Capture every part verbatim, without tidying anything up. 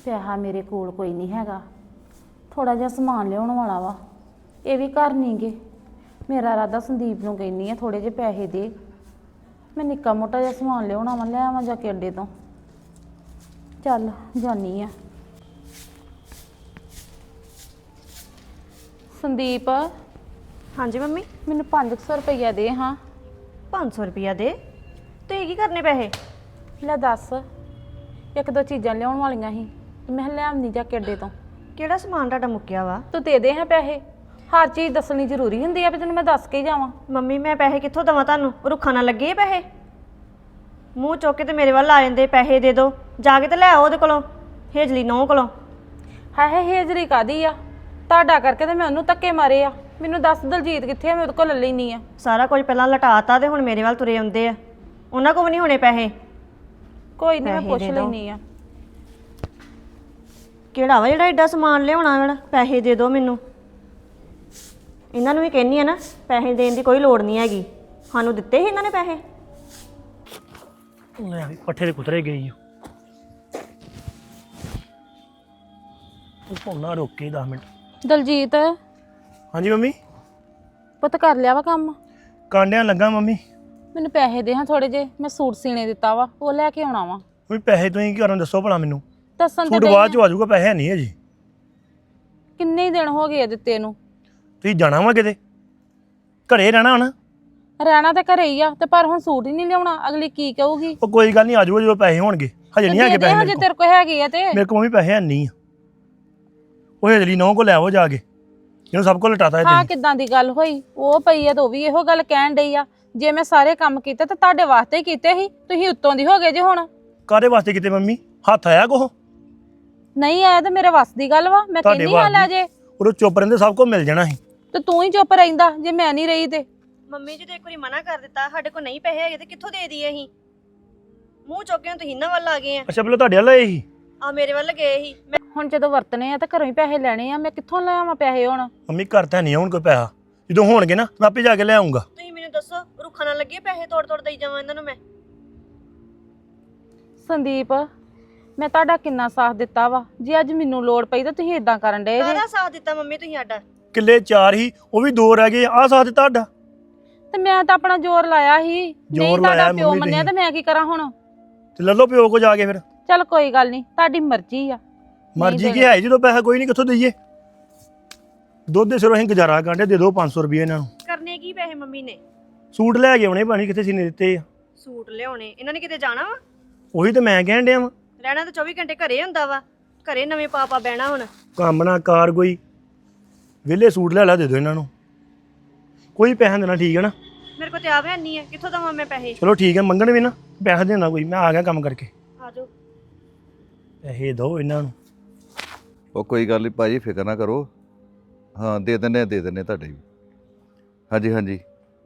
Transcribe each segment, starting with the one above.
ਪੈਸਾ ਮੇਰੇ ਕੋਲ ਕੋਈ ਨਹੀਂ ਹੈਗਾ। ਥੋੜਾ ਜਿਹਾ ਸਮਾਨ ਲਿਆਉਣ ਵਾਲਾ ਵਾ, ਇਹ ਵੀ ਘਰ ਨਹੀਂ ਗੇ। ਮੇਰਾ ਇਰਾਦਾ ਸੰਦੀਪ ਨੂੰ ਕਹਿੰਦੀ ਆ ਥੋੜੇ ਜਿਹੇ ਪੈਸੇ ਦੇ, ਮੈਂ ਨਿੱਕਾ ਮੋਟਾ ਜਿਹਾ ਸਮਾਨ ਲਿਆਉਣਾ ਵਾ, ਲੈ ਆਵਾਂ ਜਾ ਕੇ ਅੱਡੇ ਤੋਂ। ਚੱਲ ਜਾਨੀ ਆ। ਸੰਦੀਪ, ਹਾਂਜੀ ਮੰਮੀ। ਮੈਨੂੰ ਪੰਜ ਸੌ ਰੁਪਈਆ ਦੇ ਹਾਂ। ਪੰਜ ਸੌ ਰੁਪਇਆ ਦੇ? ਤੇ ਕੀ ਕਰਨੇ ਪੈਸੇ? ਲੈ ਦੱਸ, ਇੱਕ ਦੋ ਚੀਜ਼ਾਂ ਲਿਆਉਣ ਵਾਲੀਆਂ ਸੀ, ਮੈਂ ਲੈ ਆਉਂਦੀ ਜਾ ਕੇ ਅੱਡੇ ਤੋਂ। ਕਿਹੜਾ ਸਮਾਨ ਤੁਹਾਡਾ ਮੁੱਕਿਆ ਵਾ? ਤੂੰ ਦੇ ਦੇ ਹਾਂ ਪੈਸੇ। ਹਰ ਚੀਜ਼ ਦੱਸਣੀ ਜ਼ਰੂਰੀ ਹੁੰਦੀ ਆ ਵੀ ਤੈਨੂੰ ਮੈਂ ਦੱਸ ਕੇ ਹੀ ਜਾਵਾਂ। ਮੰਮੀ ਮੈਂ ਪੈਸੇ ਕਿੱਥੋਂ ਦੇਵਾਂ ਤੁਹਾਨੂੰ? ਰੁੱਖਾਂ ਨਾਲ ਲੱਗੇ ਪੈਸੇ? ਮੂੰਹ ਚੁੱਕ ਕੇ ਤੇ ਮੇਰੇ ਵੱਲ ਆ ਜਾਂਦੇ, ਪੈਸੇ ਦੇ ਦਿਓ। ਜਾ ਕੇ ਤੇ ਲੈ ਆਓ ਉਹਦੇ ਕੋਲੋਂ, ਹੇਜਲੀ ਨੌਂ ਕੋਲੋਂ। ਹੈ ਹੈ ਹੇਜਰੀ ਕਾਦੀ ਆ? ਤੁਹਾਡਾ ਕਰਕੇ ਤੇ ਮੈਂ ਉਹਨੂੰ ਧੱਕੇ ਮਾਰੇ ਆ। ਮੈਨੂੰ ਦੱਸ ਦਲਜੀਤ ਕਿੱਥੇ ਆ, ਮੈਂ ਉਹਦੇ ਕੋਲ ਲੈ ਲੈਣੀ ਆ। ਸਾਰਾ ਕੁਝ ਪਹਿਲਾਂ ਲਟਾਤਾ ਤੇ ਹੁਣ ਮੇਰੇ ਵੱਲ ਤੁਰੇ ਆਉਂਦੇ ਆ। ਉਹਨਾਂ ਕੋਲ ਵੀ ਨਹੀਂ ਹੋਣੇ ਪੈਸੇ। ਕੋਈ ਨਹੀਂ, ਮੈਂ ਪੁੱਛ ਲੈਣੀ ਆ। ਕਿਹੜਾ ਵਾ ਜਿਹੜਾ ਐਡਾ ਸਮਾਨ ਲਿਆਉਣਾ ਵਾ? ਪੈਸੇ ਦੇ ਦਿਓ ਮੈਨੂੰ। ਇਹਨਾਂ ਨੂੰ ਵੀ ਕਹਿੰਦੀ ਆ ਨਾ, ਪੈਸੇ ਦੇਣ ਦੀ ਕੋਈ ਲੋੜ ਨਹੀਂ ਹੈਗੀ। ਸਾਨੂੰ ਦਿੱਤੇ ਸੀ ਇਹਨਾਂ ਨੇ ਪੈਸੇ। ਲੈ ਵੀ ਪੱਠੇ ਦੇ ਕੁਤਰੇ ਗਈ ਉਹ ਪੌਣਾ ਰੁਕ ਕੇ ਦਸ ਮਿੰਟ। ਦਲਜੀਤ, ਹਾਂਜੀ ਮੰਮੀ। ਪੁੱਤ ਕਰ ਲਿਆ ਵਾ ਕੰਮ? ਕਾਂਡਿਆਂ ਲੱਗਾ ਮੰਮੀ। ਮੈਨੂੰ ਪੈਸੇ ਦੇ ਹਾਂ ਥੋੜੇ ਜੇ, ਮੈਂ ਸੂਟ ਸੀਨੇ ਦਿੱਤਾ ਵਾ, ਉਹ ਲੈ ਕੇ ਆਉਣਾ ਵਾ। ਵੀ ਪੈਸੇ ਤੁਸੀਂ ਕੀ ਕਰਨ ਦੱਸੋ ਭਲਾ ਮੈਨੂੰ। ਦੱਸਣ ਤੇ ਸੂਟ ਬਾਅਦ ਚ ਆ ਜਾਊਗਾ, ਪੈਸੇ ਹੈ ਨਹੀਂ ਹੈ ਜੀ। ਕਿੰਨੇ ਹੀ ਦਿਨ ਹੋ ਗਏ ਆ ਦਿੱਤੇ ਨੂੰ। ਤੁਸੀਂ ਜਾਣਾ ਵਾ ਕਿਤੇ? ਘਰੇ ਰਹਿਣਾ ਹਣਾ? ਰਹਿਣਾ ਤਾਂ ਘਰੇ ਹੀ ਆ, ਤੇ ਪਰ ਹੁਣ ਸੂਟ ਹੀ ਨਹੀਂ ਲਿਆਉਣਾ। ਅਗਲੀ ਕੀ ਕਹੂਗੀ? ਉਹ ਕੋਈ ਗੱਲ ਨਹੀਂ, ਆ ਜਾਊਗਾ ਜਦੋਂ ਪੈਸੇ ਹੋਣਗੇ। ਹਜੇ ਨਹੀਂ ਹੈਗੇ ਪੈਸੇ ਹਜੇ ਤੇਰੇ ਕੋਲ ਹੈਗੇ ਆ ਤੇ ਮੇਰੇ ਕੋਲ ਵੀ ਪੈਸੇ ਹੈ ਨਹੀਂ ਆ। ਉਹ ਹਜਲੀ ਨੌ ਕੋ ਲੈ ਆਵੋ ਜਾ ਕੇ, ਇਹਨੂੰ ਸਭ ਕੁਝ ਲਟਾਤਾ। ਹਾਂ, ਕਿੱਦਾਂ ਦੀ ਗੱਲ ਹੋਈ? ਉਹ ਪਈ ਆ ਤਾਂ ਉਹ ਵੀ ਇਹੋ ਗੱਲ ਕਹਿਣ ਡਈ ਆ, ਜੇ ਮੈਂ ਸਾਰੇ ਕੰਮ ਕੀਤੇ ਤਾਂ ਤੁਹਾਡੇ ਵਾਸਤੇ ਹੀ ਕੀਤੇ ਸੀ, ਤੁਸੀਂ ਉੱਤੋਂ ਦੀ ਹੋ ਗਏ ਜੇ ਹੁਣ। ਕਾਹਦੇ ਵਾਸਤੇ ਕਿਤੇ ਮੰਮੀ? ਹੱਥ ਆਇਆ ਕੋਹ? ਨਹੀਂ ਆਇਆ ਤਾਂ ਮੇਰੇ ਵੱਸ ਦੀ ਗੱਲ ਵਾ। ਮੈਂ ਕਹਿੰਦੀ ਹਾਂ ਲੈ ਜੇ। ਉਹ ਚੁੱਪ ਰਹਿੰਦੇ, ਸਭ ਕੁਝ ਮਿਲ ਜਾਣਾ ਸੀ। ਤੇ ਤੂੰ ਹੀ ਚੁੱਪ ਰਹਿੰਦਾ ਜੇ ਮੈਂ ਨਹੀਂ ਰਹੀ ਤੇ। ਮੰਮੀ ਜੀ ਤੇ ਇੱਕ ਵਾਰੀ ਮਨਾ ਕਰ ਦਿੱਤਾ, ਸਾਡੇ ਕੋਲ ਨਹੀਂ ਪੈਸੇ ਹੈਗੇ ਤੇ ਕਿੱਥੋਂ ਦੇ ਦਈਏ ਅਸੀਂ? ਮੂੰਹ ਚੁੱਕ ਕੇ ਤੁਸੀਂ ਇਹਨਾਂ ਵੱਲ ਆ ਗਏ ਆ। ਅੱਛਾ ਪਹਿਲਾਂ ਤੁਹਾਡੇ ਵੱਲ ਆਏ ਸੀ? ਆ ਮੇਰੇ ਵੱਲ ਗਏ ਸੀ। ਮੈਂ ਹੁਣ ਜਦੋਂ ਵਰਤਨੇ ਆ ਤਾਂ ਘਰੋਂ ਹੀ ਪੈਸੇ ਲੈਣੇ ਆ, ਮੈਂ ਕਿੱਥੋਂ ਲੈ ਆਵਾਂ ਪੈਸੇ ਹੁਣ? ਮੰਮੀ ਘਰ ਤਾਂ ਨਹੀਂ ਹੁਣ ਕੋਈ ਪੈਸਾ, ਜਦੋਂ ਹੋਣਗੇ ਨਾ ਮੈਂ ਆਪੇ ਜਾ ਕੇ ਲੈ ਆਉਂਗਾ। ਤੁਸੀਂ ਮੈਨੂੰ ਦੱਸੋ, ਰੁੱਖਾਂ ਨਾਲ ਲੱਗੇ ਪੈਸੇ ਤੋੜ ਤੋੜ ਦੇਈ ਜਾਵਾਂ ਇਹਨਾਂ ਨੂੰ ਮੈਂ? ਸੰਦੀਪ, ਮੈਂ ਤੁਹਾਡਾ ਕਿੰਨਾ ਸਾਥ ਦਿੱਤਾ ਵਾ, ਜੇ ਅੱਜ ਮੈਨੂੰ ਲੋੜ ਪਈ ਤਾਂ ਤੁਸੀਂ ਇਦਾਂ ਕਰਨ ਡਏ ਜੇ। ਕਾਹਦਾ ਸਾਥ ਦਿੱਤਾ ਮੰਮੀ ਤੁਸੀਂ ਸਾਡਾ? ਕਿੱਲੇ ਚਾਰ ਹੀ, ਉਹ ਵੀ ਦੋ ਰਹਿ ਗਏ। ਆਹ ਸਾਥ ਦਿੱਤਾ ਤੁਹਾਡਾ? ਤੇ ਮੈਂ ਤਾਂ ਆਪਣਾ ਜ਼ੋਰ ਲਾਇਆ ਸੀ। ਨਹੀਂ ਤੁਹਾਡਾ ਪਿਓ ਮੰਨਿਆ ਤਾਂ ਮੈਂ ਕੀ ਕਰਾਂ ਹੁਣ? ਤੇ ਲੈ ਲਓ ਪਿਓ ਕੋ ਜਾ ਕੇ ਫਿਰ। ਚੱਲ ਕੋਈ ਗੱਲ ਨਹੀਂ, ਤੁਹਾਡੀ ਮਰਜ਼ੀ ਆ। ਮਰਜ਼ੀ ਕੀ ਹੈ, ਜਦੋਂ ਪੈਸਾ ਕੋਈ ਨਹੀਂ ਕਿੱਥੋਂ ਦਈਏ? ਦੁੱਧ ਦੇ ਸਿਰੋਂ ਅਸੀਂ ਗੁਜ਼ਾਰਾ ਕਰਦੇ। ਦੇ ਦਿਓ ਪੰਜ ਸੌ ਰੁਪਏ ਇਹਨਾਂ ਨੂੰ। ਕਰਨੇ ਕੀ ਪੈਸੇ ਮੰਮੀ ਨੇ? ਸੂਟ ਲੈ ਕੇ ਆਉਣੇ, ਪਾਣੀ ਕਿੱਥੇ ਸੀਨੇ ਦਿੱਤੇ ਆ। ਸੂਟ ਲਿਆਉਣੇ? ਇਹਨਾਂ ਨੇ ਕਿਤੇ ਜਾਣਾ ਵਾ? ਉਹੀ ਤਾਂ ਮੈਂ ਕਹਿਣ ਡਿਆ ਵਾਂ। ਰਹਿਣਾ ਤਾਂ ਚੌਵੀ ਘੰਟੇ ਘਰੇ ਹੁੰਦਾ ਵਾ। ਘਰੇ ਨਵੇਂ ਪਾਪਾ ਬਹਿਣਾ ਹੁਣ। ਕੰਮ ਨਾ ਕਾਰ ਕੋਈ, ਵਿਹਲੇ ਸੂਟ ਲੈ ਲੈ ਦੇ ਦਿਓ ਇਹਨਾਂ ਨੂੰ। ਕੋਈ ਪੈਸਾ ਦੇਣਾ, ਠੀਕ ਹੈ ਨਾ? ਮੇਰੇ ਕੋਲ ਤੇ ਆਪ ਹੈ ਨਹੀਂ ਹੈ, ਕਿੱਥੋਂ ਦਵਾਂ ਮੈਂ ਪੈਸੇ? ਚਲੋ ਠੀਕ ਹੈ, ਮੰਗਣ ਵੀ ਨਾ ਪੈਸਾ ਦੇਣਾ ਕੋਈ। ਮੈਂ ਆ ਗਿਆ ਕੰਮ ਕਰਕੇ। ਆ ਜਾਓ। ਪੈਸੇ ਦਿਓ ਇਹਨਾਂ ਨੂੰ। ਉਹ ਕੋਈ ਗੱਲ ਨਹੀਂ ਭਾਜੀ, ਫਿਕਰ ਨਾ ਕਰੋ। ਹਾਂ ਦੇ ਦਿੰਦੇ ਆ, ਦੇ ਦਿੰਦੇ ਆ ਤੁਹਾਡੇ ਵੀ। ਹਾਂਜੀ ਹਾਂਜੀ,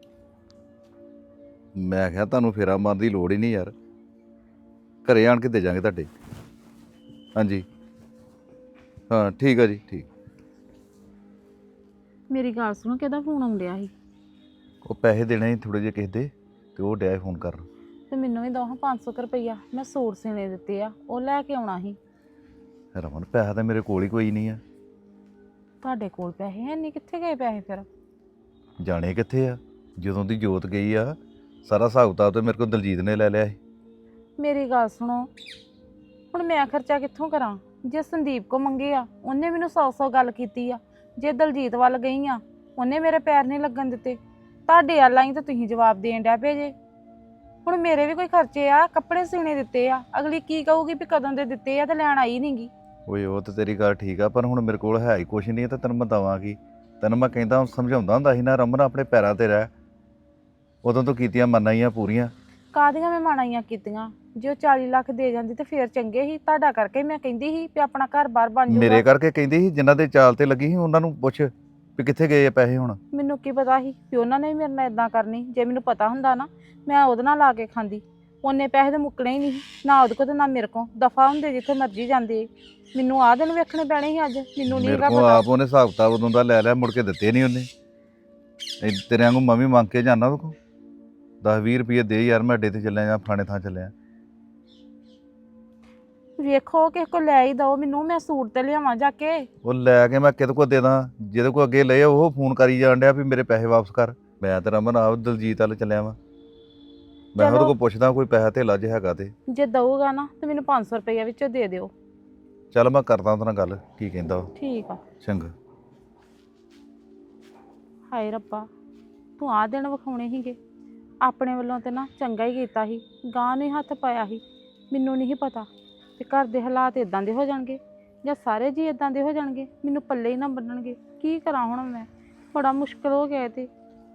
ਮੈਂ ਕਿਹਾ ਤੁਹਾਨੂੰ ਫੇਰਾ ਮਾਰਨ ਦੀ ਲੋੜ ਹੀ ਨਹੀਂ ਯਾਰ, ਘਰੇ ਆਣ ਕੇ ਦੇ ਜਾਵਾਂਗੇ ਤੁਹਾਡੇ। ਹਾਂਜੀ ਹਾਂ ਠੀਕ ਆ ਜੀ, ਠੀਕ। ਮੇਰੀ ਗੱਲ ਸੁਣੋ, ਕਿਹਦਾ ਫੋਨ ਆਉਂਦਿਆ ਸੀ? ਉਹ ਪੈਸੇ ਦੇਣੇ ਸੀ ਥੋੜੇ ਜਿਹੇ ਕਿਸੇ ਦੇ, ਤੇ ਉਹ ਡਿਆ ਫੋਨ ਕਰਨ। ਤੇ ਮੈਨੂੰ ਵੀ ਦੋ ਪੰਜ ਸੌ ਰੁਪਈਆ, ਮੈਂ ਸੂਟ ਸੀਨੇ ਦਿੱਤੇ ਆ, ਉਹ ਲੈ ਕੇ ਆਉਣਾ ਸੀ। ਰਮਨ ਪੈਸਾ ਤਾਂ ਮੇਰੇ ਕੋਲ ਹੀ ਕੋਈ ਨਹੀਂ ਆ। ਤੁਹਾਡੇ ਕੋਲ ਪੈਸੇ ਹੈ ਨਹੀਂ? ਕਿੱਥੇ ਗਏ ਪੈਸੇ ਫਿਰ? ਜਾਣੇ ਕਿੱਥੇ ਆ? ਜਦੋਂ ਦੀ ਜੋਤ ਗਈ ਆ, ਸਾਰਾ ਹਿਸਾਬ ਕਿਤਾਬ ਤਾਂ ਮੇਰੇ ਕੋਲ ਦਲਜੀਤ ਨੇ ਲੈ ਲਿਆ ਸੀ। ਮੇਰੀ ਗੱਲ ਸੁਣੋ, ਹੁਣ ਮੈਂ ਖਰਚਾ ਕਿੱਥੋਂ ਕਰਾਂ? ਜੇ ਸੰਦੀਪ ਕੋ ਮੰਗੇ ਆ, ਉਹਨੇ ਮੈਨੂੰ ਸੌ ਸੌ ਗੱਲ ਕੀਤੀ ਆ। ਜੇ ਦਲਜੀਤ ਵੱਲ ਗਈ ਆ, ਉਹਨੇ ਮੇਰੇ ਪੈਰ ਨਹੀਂ ਲੱਗਣ ਦਿੱਤੇ। ਤੁਹਾਡੇ ਵੱਲ ਆਈ ਤਾਂ ਤੁਸੀਂ ਜਵਾਬ ਦੇਣ ਡਿਆ ਪਏ ਜੇ। ਹੁਣ ਮੇਰੇ ਵੀ ਕੋਈ ਖਰਚੇ ਆ, ਕੱਪੜੇ ਸੀਨੇ ਦਿੱਤੇ ਆ। ਅਗਲੀ ਕੀ ਕਹੂਗੀ ਵੀ ਕਦੋਂ ਦੇ ਦਿੱਤੇ ਆ ਤੇ ਲੈਣ ਆਈ ਨਹੀਂ ਗੀ। ਓਏ ਉਹ ਤਾਂ ਤੇਰੀ ਗੱਲ ਠੀਕ ਆ, ਪਰ ਹੁਣ ਮੇਰੇ ਕੋਲ ਹੈ ਹੀ ਕੁਛ ਨਹੀਂ, ਤਾਂ ਤੈਨੂੰ ਮੈਂ ਦੇਵਾਂਗੀ। ਤੈਨੂੰ ਮੈਂ ਕਹਿੰਦਾ ਸਮਝਾਉਂਦਾ ਹੁੰਦਾ ਸੀ ਨਾ, ਰਮਨ ਆਪਣੇ ਪੈਰਾਂ ਤੇ ਰਹਿ। ਉਦੋਂ ਤੋਂ ਕੀਤੀਆਂ ਮੰਨਾਈਆਂ ਪੂਰੀਆਂ। ਕਾਹਦੀਆਂ ਮੈਂ ਮਾਣਾਈਆਂ ਕੀਤੀਆਂ? ਜੇ ਉਹ ਚਾਲੀ ਲੱਖ ਦੇ ਜਾਂਦੀ ਤੇ ਫੇਰ ਚੰਗੇ ਸੀ। ਤੁਹਾਡਾ ਕਰਕੇ ਮੈਂ ਕਹਿੰਦੀ ਸੀ ਵੀ ਆਪਣਾ ਘਰ ਬਾਰ ਬਣ ਜਾਊਗਾ। ਮੇਰੇ ਕਰਕੇ ਕਹਿੰਦੀ ਸੀ, ਜਿਨ੍ਹਾਂ ਦੇ ਚਾਲ ਤੇ ਲੱਗੀ ਸੀ ਉਹਨਾਂ ਨੂੰ ਪੁੱਛ ਵੀ ਕਿੱਥੇ ਗਏ ਆ ਪੈਸੇ ਹੁਣ। ਮੈਨੂੰ ਕੀ ਪਤਾ ਸੀ ਵੀ ਉਹਨਾਂ ਨੇ ਵੀ ਮੇਰੇ ਨਾਲ ਇਦਾਂ ਕਰਨੀ? ਜੇ ਮੈਨੂੰ ਪਤਾ ਹੁੰਦਾ ਨਾ, ਮੈਂ ਉਹਦੇ ਨਾਲ ਲਾ ਕੇ ਖਾਂਦੀ। ਉਹਨੇ ਪੈਸੇ ਤਾਂ ਮੁੱਕਣੇ ਹੀ ਨਹੀਂ, ਨਾ ਉਹਦੇ ਕੋਲ ਤੇ ਨਾ ਮੇਰੇ ਕੋਲ। ਦਫਾ ਹੁੰਦੇ ਜਿੱਥੇ ਮਰਜ਼ੀ ਜਾਂਦੇ। ਮੈਨੂੰ ਆਹ ਦਿਨ ਵੇਖਣੇ ਪੈਣੇ ਸੀ ਅੱਜ। ਮੈਨੂੰ ਨਹੀਂ ਮੇਰੇ ਕੋਲ ਆਪ ਉਹਨੇ ਹਿਸਾਬ ਕਿਤਾਬ ਉਦੋਂ ਦਾ ਲੈ ਲਿਆ, ਮੁੜ ਕੇ ਦਿੱਤੇ ਨਹੀਂ ਉਹਨੇ। ਤੇਰੇ ਵਾਂਗੂ ਮੈਂ ਵੀ ਮੰਗ ਕੇ ਜਾਂਦਾ ਉਹਦੇ ਕੋਲ ਦਸ ਵੀਹ ਰੁਪਏ ਦੇ ਯਾਰ, ਮੈਂ ਅੱਡੇ ਤੇ ਚੱਲਿਆ ਜਾਂ ਫਲਾਣੇ ਥਾਂ ਚੱਲਿਆ। ਵੇਖੋ ਕਿਸੇ ਕੋ ਲੈ ਹੀ ਦਓ ਮੈਨੂੰ, ਮੈਂ ਸੂਟ ਤੇ ਲਿਆਵਾਂ ਜਾ ਕੇ। ਉਹ ਲੈ ਕੇ ਮੈਂ ਕਿਹਦੇ ਕੋਲ ਦੇ ਦਾਂ? ਜਿਹਦੇ ਕੋਲ ਅੱਗੇ ਲਏ ਉਹ ਫੋਨ ਕਰੀ ਜਾਣ ਡਿਆ ਵੀ ਮੇਰੇ ਪੈਸੇ ਵਾਪਸ ਕਰ। ਮੈਂ ਤੇ ਰਮਨ ਆਪ ਦਲਜੀਤ ਵੱਲ ਚੱਲਿਆ ਵਾਂ। ਮੈਂ ਉਹਦੇ ਚਲੋ। ਕੋਲ ਪੁੱਛਦਾ ਕੋਈ ਪੈਸਾ ਧੇਲਾ ਜੇ ਹੈਗਾ ਤੇ। ਜੇ ਦਊਗਾ ਨਾ ਤੇ ਮੈਨੂੰ ਪੰਜ ਸੌ ਰੁਪਈਆ ਵਿੱਚੋਂ ਦੇ ਦਿਓ। ਚੱਲ ਮੈਂ ਕਰਦਾ ਉਹਦੇ ਨਾਲ ਗੱਲ, ਕੀ ਕਹਿੰਦਾ ਉਹ। ਠੀਕ ਆ। ਚੰਗਾ। ਹਾਏ ਰੱਬਾ, ਤੂੰ ਆਹ ਦਿਨ ਵਿਖਾਉਣੇ ਸੀਗੇ। ਆਪਣੇ ਵੱਲੋਂ ਤੇ ਨਾ ਚੰਗਾ ਹੀ ਕੀਤਾ ਸੀ, ਗਾਂ ਨੂੰ ਹੀ ਹੱਥ ਪਾਇਆ ਸੀ। ਮੈਨੂੰ ਨਹੀਂ ਪਤਾ ਕਿ ਘਰ ਦੇ ਹਾਲਾਤ ਇਦਾਂ ਦੇ ਹੋ ਜਾਣਗੇ ਜਾਂ ਸਾਰੇ ਜੀ ਇਦਾਂ ਦੇ ਹੋ ਜਾਣਗੇ, ਮੈਨੂੰ ਪੱਲੇ ਹੀ ਨਾ ਬੰਨਣਗੇ। ਕੀ ਕਰਾਂ ਹੁਣ ਮੈਂ, ਬੜਾ ਮੁਸ਼ਕਲ ਹੋ ਗਿਆ ਇਹ ਤੇ।